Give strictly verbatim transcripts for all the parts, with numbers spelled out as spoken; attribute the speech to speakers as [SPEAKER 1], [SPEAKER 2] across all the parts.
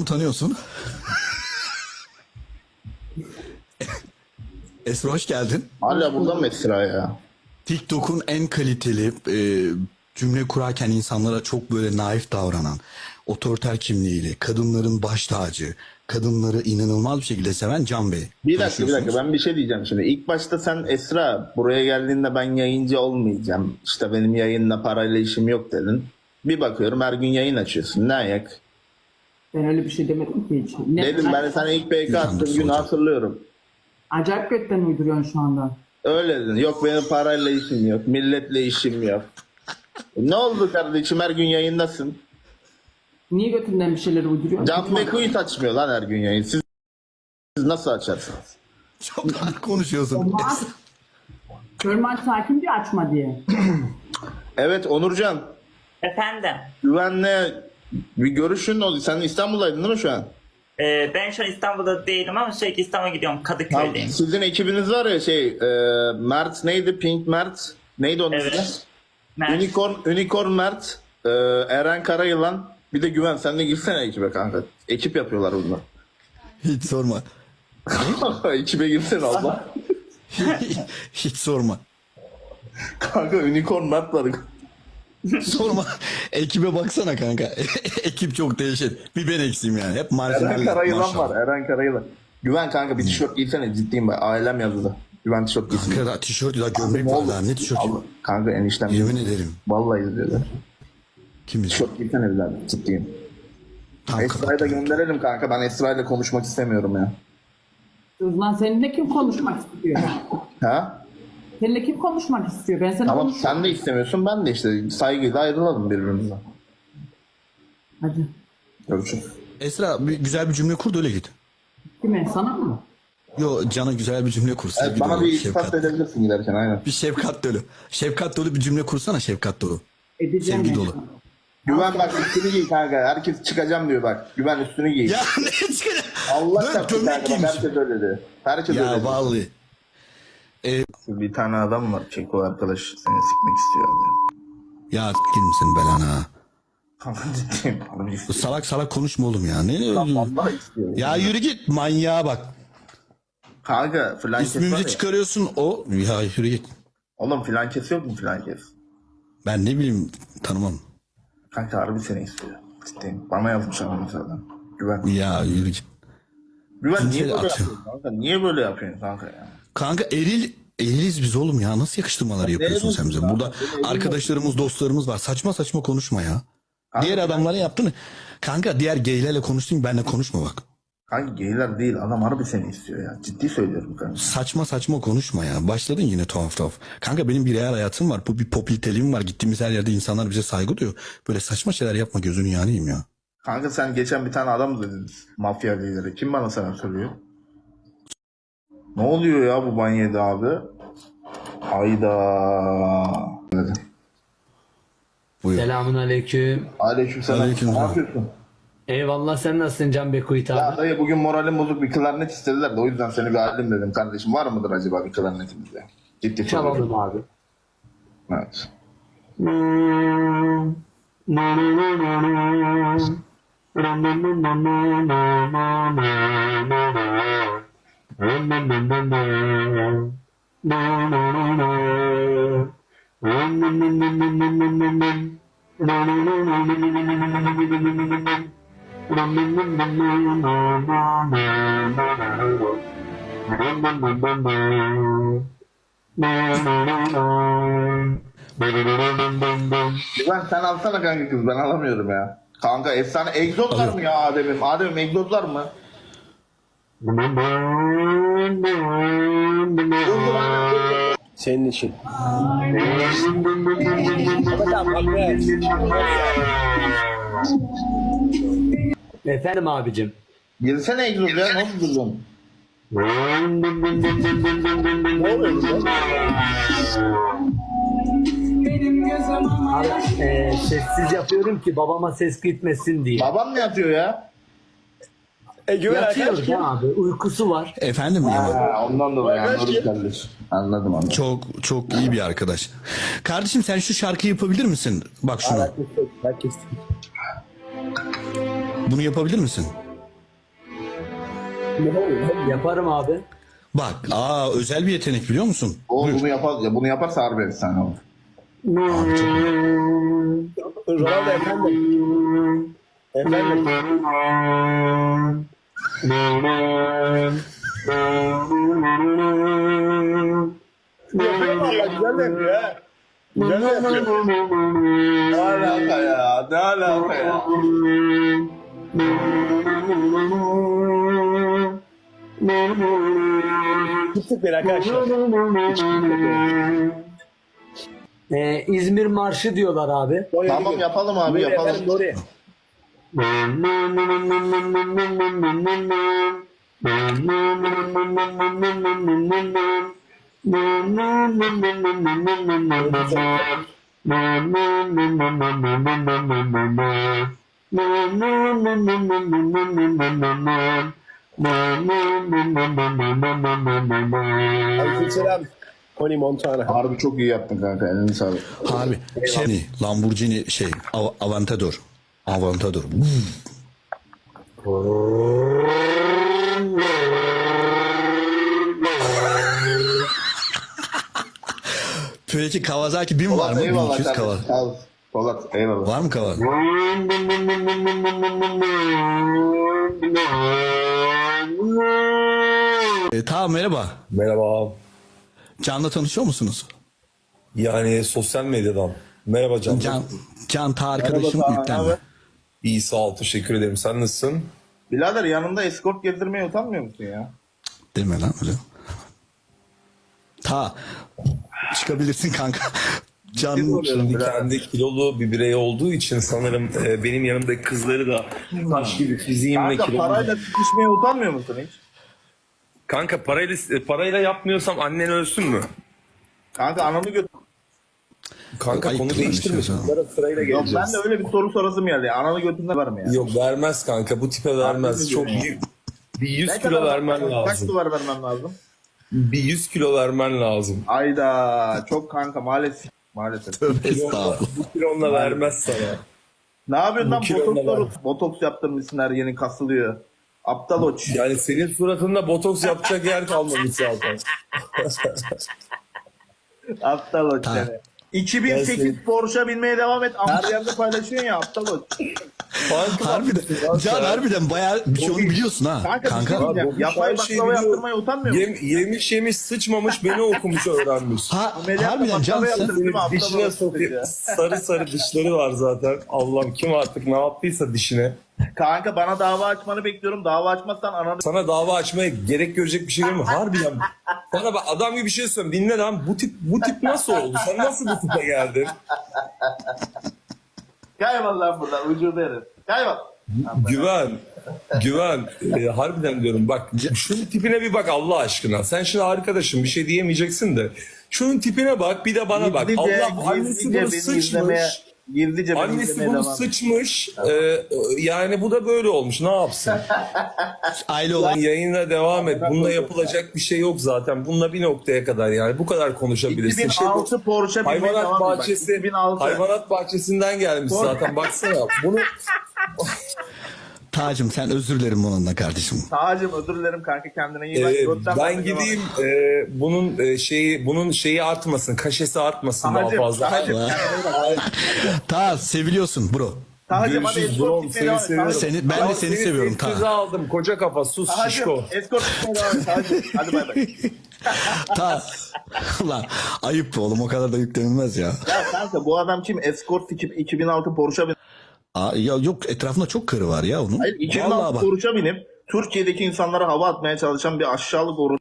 [SPEAKER 1] tanıyorsun. Esra hoş geldin.
[SPEAKER 2] Hala burada mı Esra ya?
[SPEAKER 1] TikTok'un en kaliteli e, cümle kurarken insanlara çok böyle naif davranan, otoriter kimliğiyle, kadınların baş tacı, kadınları inanılmaz bir şekilde seven Can Bey.
[SPEAKER 2] Bir dakika bir dakika ben bir şey diyeceğim şimdi. İlk başta sen Esra buraya geldiğinde ben yayıncı olmayacağım. İşte benim yayınla parayla işim yok dedin. Bir bakıyorum her gün yayın açıyorsun. Ne ayak?
[SPEAKER 3] Ben öyle bir şey demedim ki hiç. Ne,
[SPEAKER 2] Dedim ben sana ilk P K
[SPEAKER 1] İnsandır
[SPEAKER 2] attığım günü
[SPEAKER 1] hocam.
[SPEAKER 2] hatırlıyorum.
[SPEAKER 3] Acayip götten uyduruyorsun şu anda.
[SPEAKER 2] Öyle dedin. Yok benim parayla işim yok. Milletle işim yok. Ne oldu kardeşim her gün yayındasın.
[SPEAKER 3] Niye götünden bir şeyler uyduruyorsun?
[SPEAKER 2] Can Bekuit açmıyor lan her gün yayın. Siz, siz nasıl açarsınız?
[SPEAKER 1] Çok rahat konuşuyorsun.
[SPEAKER 3] Olmaz. Körman sakin diye açma diye.
[SPEAKER 2] Evet Onurcan.
[SPEAKER 4] Efendim,
[SPEAKER 2] Güvenle bir görüşün oldu. Sen İstanbul'daydın değil mi şu an?
[SPEAKER 4] e, ben şu an İstanbul'da değilim ama sürekli İstanbul'a gidiyorum.
[SPEAKER 2] Tamam,
[SPEAKER 4] Kadıköy'deyim.
[SPEAKER 2] sizin ekibiniz var ya şey e, Mert neydi? Pink Mert. Neydi onun ismi?
[SPEAKER 4] Evet. Mert.
[SPEAKER 2] Unicorn, Unicorn Mert. e, Eren Karayılan. Bir de Güven. Sen de girsene ekibe kanka. Ekip yapıyorlar bunlar.
[SPEAKER 1] Hiç sorma.
[SPEAKER 2] Ekibe girsene Allah.
[SPEAKER 1] Hiç sorma.
[SPEAKER 2] Kanka Unicorn Mert var.
[SPEAKER 1] Sorma. Ekibe baksana kanka. Ekip çok değişik. Bir ben eksiğim yani. Hep
[SPEAKER 2] Eren
[SPEAKER 1] marjinaller.
[SPEAKER 2] Karayılan
[SPEAKER 1] maşallah.
[SPEAKER 2] var. Eren Karayılan. Güven kanka bir tişört giysene ciddiyim bak. Ailem yazdı. Güven tişört giysin.
[SPEAKER 1] Kanka da tişört ya gömlek
[SPEAKER 2] Ne
[SPEAKER 1] var
[SPEAKER 2] oldu?
[SPEAKER 1] daha. Ne tişörtü?
[SPEAKER 2] Allah- Kanka eniştem.
[SPEAKER 1] Yemin ederim.
[SPEAKER 2] Vallahi izliyorlar.
[SPEAKER 1] Kim bilir?
[SPEAKER 2] Tişört giysene evladım. Ciddiyim.
[SPEAKER 1] Tam
[SPEAKER 2] Esra'yı da gönderelim kanka. Ben Esra'yla konuşmak istemiyorum ya.
[SPEAKER 3] Lan seninle kim konuşmak istiyor?
[SPEAKER 2] Ha?
[SPEAKER 3] Seninle kim konuşmak istiyor? Ben sana
[SPEAKER 2] Tamam
[SPEAKER 3] konuş-
[SPEAKER 2] sen de istemiyorsun ben de işte saygıyla ayrılalım birbirimizden.
[SPEAKER 3] Hadi.
[SPEAKER 2] Görüşürüz.
[SPEAKER 1] Esra bir, güzel bir cümle kur da öyle git.
[SPEAKER 3] Kime? Sana mı?
[SPEAKER 1] Yo Can'a güzel bir cümle kur.
[SPEAKER 2] Evet,
[SPEAKER 1] sevgi
[SPEAKER 2] bana
[SPEAKER 1] dolu,
[SPEAKER 2] bir iltifat
[SPEAKER 1] şefkat.
[SPEAKER 2] edebilirsin giderken aynen.
[SPEAKER 1] Bir şefkat dolu. Şefkat dolu bir cümle kursana şefkat dolu.
[SPEAKER 3] Edeceğim.
[SPEAKER 1] Sevgi
[SPEAKER 3] ben.
[SPEAKER 1] dolu.
[SPEAKER 2] Güven bak üstünü giy kanka. Herkes çıkacağım diyor bak. Güven üstünü giy.
[SPEAKER 1] Ya ne çıkacak?
[SPEAKER 2] Allah
[SPEAKER 1] Dön,
[SPEAKER 2] çarpsın
[SPEAKER 1] gömlek
[SPEAKER 2] kanka. Bak,
[SPEAKER 1] giymiş.
[SPEAKER 2] herkes öyle dedi. Herkes öyle
[SPEAKER 1] Ya
[SPEAKER 2] dedi.
[SPEAKER 1] vallahi.
[SPEAKER 2] Bir tane adam var. Çeko arkadaş seni sikmek istiyor.
[SPEAKER 1] Ya s**kin misin belana?
[SPEAKER 2] Kanka ciddiyim. Harbi istiyor.
[SPEAKER 1] Salak salak konuşma oğlum ya. Ne?
[SPEAKER 2] Allah istiyor.
[SPEAKER 1] Ya yürü git manyağa bak.
[SPEAKER 2] Kanka filan kes var
[SPEAKER 1] İsmimizi
[SPEAKER 2] ya.
[SPEAKER 1] çıkarıyorsun o. Ya yürü git.
[SPEAKER 2] Oğlum filan kes yok mu filan kes?
[SPEAKER 1] Ben ne bileyim tanımam.
[SPEAKER 2] Kanka harbi seni istiyor. Ciddiyim. Bana yazmış adam zaten. Güven.
[SPEAKER 1] Ya yürü git.
[SPEAKER 2] Güven niye
[SPEAKER 1] Cinsel
[SPEAKER 2] böyle
[SPEAKER 1] atıyor.
[SPEAKER 2] yapıyorsun kanka? Niye böyle yapıyorsun kanka ya?
[SPEAKER 1] Kanka eril eriliz biz oğlum ya. Nasıl yakıştırmalar yapıyorsun sen bize? Burada arkadaşlarımız, dostlarımız var. Saçma saçma konuşma ya.
[SPEAKER 2] Kanka,
[SPEAKER 1] Diğer adamların yaptığını. Kanka diğer geylerle konuştun benimle konuşma bak.
[SPEAKER 2] Kanka geyler değil adam harbi seni istiyor ya. Ciddi söylüyorum kanka.
[SPEAKER 1] Saçma saçma konuşma ya. Başladın yine tuhaf tuhaf. Kanka benim bir real hayatım var. Bu bir popüliteliğim var. Gittiğimiz her yerde insanlar bize saygı duyuyor. Böyle saçma şeyler yapma gözünü yanayım ya.
[SPEAKER 2] Kanka sen geçen bir tane adam dedin. Mafya lideri. Kim bana sana söylüyor? Ne oluyor ya bu banyede abi? Ayda.
[SPEAKER 1] Buyur.
[SPEAKER 5] Selamun aleyküm.
[SPEAKER 2] Aleykümselam.
[SPEAKER 1] Aleyküm
[SPEAKER 2] Ne
[SPEAKER 1] selam.
[SPEAKER 2] yapıyorsun?
[SPEAKER 5] Eyvallah, sen nasılsın Can Bekuit
[SPEAKER 2] Ya
[SPEAKER 5] abi?
[SPEAKER 2] dayı bugün moralim bozuk bir klarnet istediler de o yüzden seni bir alayım dedim kardeşim. Var mıdır acaba bir klarnetimizde? Ciddi
[SPEAKER 5] Çalalım
[SPEAKER 2] soruyorum.
[SPEAKER 5] abi.
[SPEAKER 2] Evet. Güven sen alsana kanka kız ben alamıyorum ya. Kanka efsane egzoz var mı ya Adem'im? Adem'im egzoz var mı?
[SPEAKER 6] Senin için.
[SPEAKER 5] Efendim abicim.
[SPEAKER 2] Girsene egzoz ya ne oldu durdun?
[SPEAKER 5] Abi, e, sessiz yapıyorum ki babama ses gitmesin diye.
[SPEAKER 2] Babam ne yapıyor ya?
[SPEAKER 6] E güven
[SPEAKER 5] Yatıyor
[SPEAKER 6] arkadaş kim?
[SPEAKER 5] ya abi, uykusu var.
[SPEAKER 1] Efendim ya.
[SPEAKER 2] Ha, ondan dolayı anladım kardeş. Anladım anladım.
[SPEAKER 1] Çok çok iyi bir arkadaş. Kardeşim sen şu şarkıyı yapabilir misin? Bak şunu.
[SPEAKER 6] Herkes.
[SPEAKER 1] Bunu yapabilir misin?
[SPEAKER 5] Yaparım abi.
[SPEAKER 1] Bak, aa özel bir yetenek biliyor musun?
[SPEAKER 2] O
[SPEAKER 1] Buyur.
[SPEAKER 2] bunu yapar ya bunu yaparsa harbi efsane olur.
[SPEAKER 1] Abi çok iyi.
[SPEAKER 6] Ronaldo efendim. Efendim. Yapıyor valla güzel de yapıyor ha. Güzel de yapıyor.
[SPEAKER 2] Ne alaka ya? Ne alaka ya?
[SPEAKER 6] Tuttuk beni arkadaşlar.
[SPEAKER 5] Ee, İzmir Marşı diyorlar abi.
[SPEAKER 2] Tamam yapalım abi
[SPEAKER 6] Nuri
[SPEAKER 2] yapalım.
[SPEAKER 6] efendim Nuri. Aleykümselam. Tony Montana.
[SPEAKER 2] Harbi çok iyi yaptın kanka. Elini sağlık.
[SPEAKER 1] Harbi. Şey, Lamborghini şey, Av- Aventador. Aventador. Peki Kawasaki bin var
[SPEAKER 2] Polat
[SPEAKER 1] mı?
[SPEAKER 2] eyvallah
[SPEAKER 1] bin iki yüz
[SPEAKER 2] kardeşim.
[SPEAKER 1] Kawasaki.
[SPEAKER 2] Sağ ol. Polat eyvallah.
[SPEAKER 1] Var mı Kawasaki? E, tamam merhaba.
[SPEAKER 7] Merhaba.
[SPEAKER 1] Can'la tanışıyor musunuz?
[SPEAKER 7] Yani sosyal medyadan. Merhaba Can.
[SPEAKER 1] Can, Can ta arkadaşım
[SPEAKER 2] Merhaba,
[SPEAKER 1] yüklenme.
[SPEAKER 2] abi.
[SPEAKER 7] İyi sağ ol teşekkür ederim. Sen nasılsın?
[SPEAKER 2] Birader yanında eskort gezdirmeye utanmıyor musun ya?
[SPEAKER 1] Deme lan öyle. Ta çıkabilirsin kanka. Can
[SPEAKER 7] Şimdi kendi kilolu bir birey olduğu için sanırım e, benim yanımdaki kızları da taş gibi fiziğimle
[SPEAKER 2] Kanka
[SPEAKER 7] kilolu.
[SPEAKER 2] parayla sıkışmaya utanmıyor musun hiç?
[SPEAKER 7] Kanka parayla, e, parayla yapmıyorsam annen ölsün mü?
[SPEAKER 2] Kanka ananı götür.
[SPEAKER 7] Kanka
[SPEAKER 1] Ayıp
[SPEAKER 7] konu
[SPEAKER 1] değil mi
[SPEAKER 7] değiştirme.
[SPEAKER 1] şey o zaman?
[SPEAKER 7] Bunlara sırayla
[SPEAKER 2] Yok
[SPEAKER 7] geleceğiz.
[SPEAKER 2] ben de öyle bir soru sorasım geldi. ya. Ananı götünden var mı ya?
[SPEAKER 7] Yok vermez kanka bu tipe vermez.
[SPEAKER 2] Harbi
[SPEAKER 7] Çok
[SPEAKER 2] mi
[SPEAKER 7] bir, bir yüz
[SPEAKER 2] Ne
[SPEAKER 7] kilo
[SPEAKER 2] kadar-
[SPEAKER 7] vermen
[SPEAKER 2] Kaç
[SPEAKER 7] lazım.
[SPEAKER 2] duvar vermem lazım?
[SPEAKER 7] Bir yüz kilo vermen lazım.
[SPEAKER 2] Ayda çok kanka maalesef. Maalesef.
[SPEAKER 1] Tövbe estağfurullah.
[SPEAKER 7] Bu kilonla vermez sana.
[SPEAKER 2] Ne yapıyorsun
[SPEAKER 7] Bu
[SPEAKER 2] lan?
[SPEAKER 7] kilonla
[SPEAKER 2] Botoks,
[SPEAKER 7] ver.
[SPEAKER 2] botoks, botoks yaptırmışsın her yeni kasılıyor. Aptal oç.
[SPEAKER 7] Yani senin suratında botoks yapacak yer kalmamış zaten.
[SPEAKER 2] Aptal oç
[SPEAKER 1] Tamam.
[SPEAKER 2] seni. iki bin sekiz
[SPEAKER 7] Ben
[SPEAKER 2] Porsche binmeye devam et. Her yerde paylaşıyorsun ya aptal oç.
[SPEAKER 7] Kanka,
[SPEAKER 1] Harbiden, Can harbiden bayağı bir şey onu biliyorsun ha.
[SPEAKER 2] Kanka,
[SPEAKER 1] Kanka.
[SPEAKER 2] bir şey diyeceğim.
[SPEAKER 7] Bobby
[SPEAKER 2] Yapay
[SPEAKER 7] her şeyi
[SPEAKER 2] baklava
[SPEAKER 7] biliyor.
[SPEAKER 2] yaptırmaya utanmıyor musun?
[SPEAKER 7] Yem, yemiş yemiş sıçmamış beni okumuş öğrenmiş.
[SPEAKER 1] Ha,
[SPEAKER 2] Ameliyatla
[SPEAKER 1] harbiden Can
[SPEAKER 2] baklava
[SPEAKER 1] sen,
[SPEAKER 2] yaptırdın değil mi? Aptal
[SPEAKER 7] Dişine
[SPEAKER 2] oç
[SPEAKER 7] sokuyor.
[SPEAKER 2] ya.
[SPEAKER 7] Sarı sarı dişleri var zaten. Allah'ım kim artık ne yaptıysa dişine.
[SPEAKER 2] Kanka bana dava açmanı bekliyorum. Dava açmazsan ananı...
[SPEAKER 7] Sana dava açmaya gerek görecek bir şey değil mi? Harbiden. Bana bak adam gibi bir şey söyleyeyim. Dinle lan bu tip bu tip nasıl oldu? Sen nasıl bu tipe geldin?
[SPEAKER 2] Kaybol lan buradan. Ucunda herif. Kaybol.
[SPEAKER 7] Güven. Güven. Ee, harbiden diyorum bak şunun tipine bir bak Allah aşkına. Sen şimdi arkadaşım bir şey diyemeyeceksin de. Şunun tipine bak bir de bana bak.
[SPEAKER 2] Gizlice,
[SPEAKER 7] Allah annesi
[SPEAKER 2] gizlice
[SPEAKER 7] bunu
[SPEAKER 2] beni izlemeye,
[SPEAKER 7] sıçmış.
[SPEAKER 2] gizlice beni
[SPEAKER 7] Annesi
[SPEAKER 2] izlemeye
[SPEAKER 7] bunu
[SPEAKER 2] devam et.
[SPEAKER 7] sıçmış. Ee, yani bu da böyle olmuş. Ne yapsın?
[SPEAKER 1] aile olan
[SPEAKER 7] Yayına devam et. Bununla yapılacak bir şey yok zaten. Bununla bir noktaya kadar yani. Bu kadar konuşabilirsin. Şey bu-
[SPEAKER 2] iki bin altı Porsche binmeye
[SPEAKER 7] hayvanat
[SPEAKER 2] devam et. Bak,
[SPEAKER 7] bahçesi,
[SPEAKER 2] iki bin altı.
[SPEAKER 7] hayvanat bahçesinden gelmiş
[SPEAKER 2] Doğru.
[SPEAKER 7] zaten. Baksana. Bunu
[SPEAKER 1] Tacım sen özür dilerim bununla kardeşim.
[SPEAKER 2] Tacım özür dilerim kanka kendine iyi bak.
[SPEAKER 7] e,
[SPEAKER 2] Götten
[SPEAKER 7] ben
[SPEAKER 2] bak,
[SPEAKER 7] gideyim e, bunun e, şeyi bunun şeyi artmasın. Kaşesi artmasın daha
[SPEAKER 2] Tacım,
[SPEAKER 7] fazla.
[SPEAKER 2] Tacım,
[SPEAKER 1] Allah.
[SPEAKER 2] kendine iyi bak.
[SPEAKER 1] Ta seviliyorsun bro.
[SPEAKER 2] Tacım hadi
[SPEAKER 7] Görüşürüz
[SPEAKER 2] escort
[SPEAKER 7] bro.
[SPEAKER 2] gitmeye
[SPEAKER 7] Seni
[SPEAKER 2] devam et.
[SPEAKER 7] seviyorum.
[SPEAKER 2] Tacım.
[SPEAKER 1] Seni, ben de seni seviyorum
[SPEAKER 7] Seni
[SPEAKER 1] ta.
[SPEAKER 7] aldım. Koca kafa sus
[SPEAKER 2] Tacım
[SPEAKER 7] şişko.
[SPEAKER 2] escort gitmeye devam et. Tacım. Hadi bay bay.
[SPEAKER 1] Ta. Ulan ayıp be oğlum o kadar da yüklenilmez ya.
[SPEAKER 2] Ya kanka bu adam kim? Escort iki bin altı Porsche bin.
[SPEAKER 1] Aa, ya yok etrafında çok karı var ya onun.
[SPEAKER 2] Hayır iki bin
[SPEAKER 1] Vallahi
[SPEAKER 2] altı
[SPEAKER 1] bak.
[SPEAKER 2] Porsche binip Türkiye'deki insanlara hava atmaya çalışan bir aşağılık oru.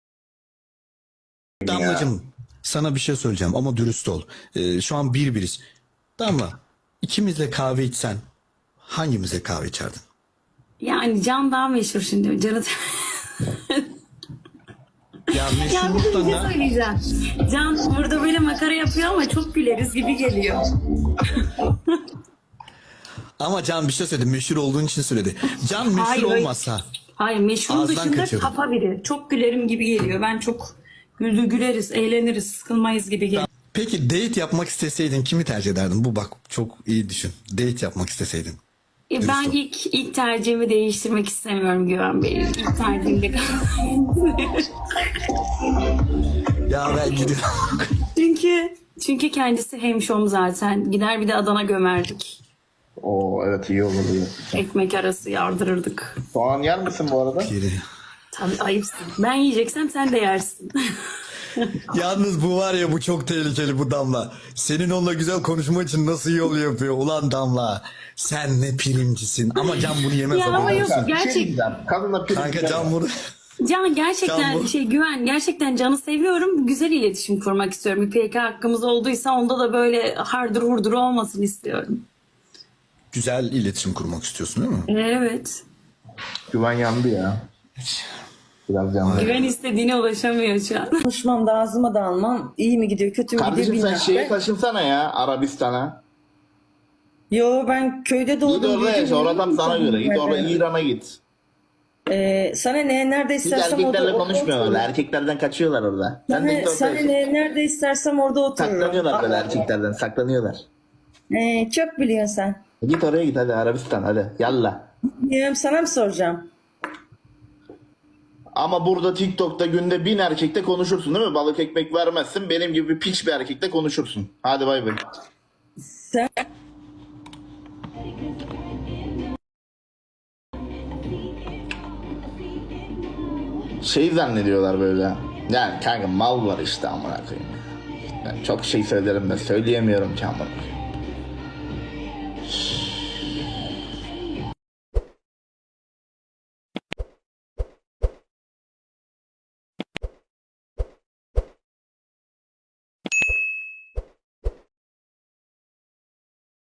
[SPEAKER 1] Damlacığım sana bir şey söyleyeceğim ama dürüst ol. Ee, şu an bir biriz. Damla ikimizle kahve içsen hangimize kahve içerdin?
[SPEAKER 8] Yani Can daha meşhur şimdi. Can'ı...
[SPEAKER 1] Ya
[SPEAKER 8] ya bir de bir şey
[SPEAKER 1] meşhurluktan da
[SPEAKER 8] söyleyeceğim. Can burada böyle makara yapıyor ama çok güleriz gibi geliyor.
[SPEAKER 1] ama Can bir şey söyledi meşhur olduğun için söyledi. Can meşhur
[SPEAKER 8] Hayır, hayır.
[SPEAKER 1] olmasa
[SPEAKER 8] Hayır meşhurun
[SPEAKER 1] Ağızdan
[SPEAKER 8] dışında
[SPEAKER 1] kaçırdım.
[SPEAKER 8] kafa biri. Çok gülerim gibi geliyor. Ben çok güldü güleriz, eğleniriz, sıkılmayız gibi geliyor.
[SPEAKER 1] peki date yapmak isteseydin kimi tercih ederdin? Bu bak çok iyi düşün. Date yapmak isteseydin.
[SPEAKER 8] E, ben
[SPEAKER 1] ol.
[SPEAKER 8] ilk ilk tercihimi değiştirmek istemiyorum Güven Bey. İlk tercihimde
[SPEAKER 1] Ya ben gidiyorum.
[SPEAKER 8] çünkü çünkü kendisi hemşom zaten. Gider bir de Adana gömerdik.
[SPEAKER 2] Oo evet iyi olur. iyi.
[SPEAKER 8] Ekmek arası yardırırdık.
[SPEAKER 2] Soğan yer misin bu arada?
[SPEAKER 1] Geri.
[SPEAKER 8] Tabii ayıpsın. Ben yiyeceksem sen de yersin.
[SPEAKER 1] Yalnız bu var ya bu çok tehlikeli bu Damla. Senin onunla güzel konuşma için nasıl yol yapıyor? Ulan Damla sen ne primcisin. Ama Can bunu yemez.
[SPEAKER 8] Ya ama
[SPEAKER 1] haberin
[SPEAKER 8] yok
[SPEAKER 1] olsun.
[SPEAKER 2] Bir şey
[SPEAKER 8] gerçek.
[SPEAKER 2] diyeceğim. Kadınla prim
[SPEAKER 1] Kanka Can bunu...
[SPEAKER 8] Can gerçekten
[SPEAKER 1] Can bu-
[SPEAKER 8] şey Güven gerçekten Can'ı seviyorum. Güzel iletişim kurmak istiyorum. Bir P K hakkımız olduysa onda da böyle hardır hurdur olmasın istiyorum.
[SPEAKER 1] Güzel iletişim kurmak istiyorsun değil mi?
[SPEAKER 8] Evet.
[SPEAKER 2] Güven yandı ya. Biraz yandı.
[SPEAKER 8] Güven istediğine ulaşamıyor şu an.
[SPEAKER 9] Konuşmam da ağzıma da almam. İyi mi gidiyor kötü mü gidiyor
[SPEAKER 2] Kardeşim sen
[SPEAKER 9] bilmiyorum.
[SPEAKER 2] şeyi taşınsana ya Arabistan'a.
[SPEAKER 9] Yo ben köyde
[SPEAKER 2] Git
[SPEAKER 9] doğdum.
[SPEAKER 2] orada
[SPEAKER 9] büyüdüm.
[SPEAKER 2] yaşa. Oradan sana göre. Git orada
[SPEAKER 9] Evet.
[SPEAKER 2] İran'a git.
[SPEAKER 9] Ee, sana ne nerede
[SPEAKER 2] Hiç
[SPEAKER 9] istersem orada
[SPEAKER 2] erkeklerle
[SPEAKER 9] orada
[SPEAKER 2] konuşmuyorlar.
[SPEAKER 9] otururum.
[SPEAKER 2] Erkeklerden kaçıyorlar orada. Sen de
[SPEAKER 9] Sana,
[SPEAKER 2] git orada
[SPEAKER 9] sana
[SPEAKER 2] yaşa.
[SPEAKER 9] ne nerede istersem orada otururum.
[SPEAKER 2] Saklanıyorlar böyle erkeklerden. Saklanıyorlar.
[SPEAKER 9] Ee, çok biliyorsun sen.
[SPEAKER 2] Git oraya git hadi Arabistan hadi. Yallah.
[SPEAKER 9] Bilmiyorum, sana mı soracağım?
[SPEAKER 2] Ama burada TikTok'ta günde bin erkekle konuşursun değil mi? Balık ekmek vermezsin. Benim gibi bir piç bir erkekle konuşursun. Hadi bay bay.
[SPEAKER 9] Sen
[SPEAKER 2] Şey zannediyorlar böyle. Yani kanka mal var işte amına koyayım. Ben çok şey söylerim de söyleyemiyorum ki amına koyayım.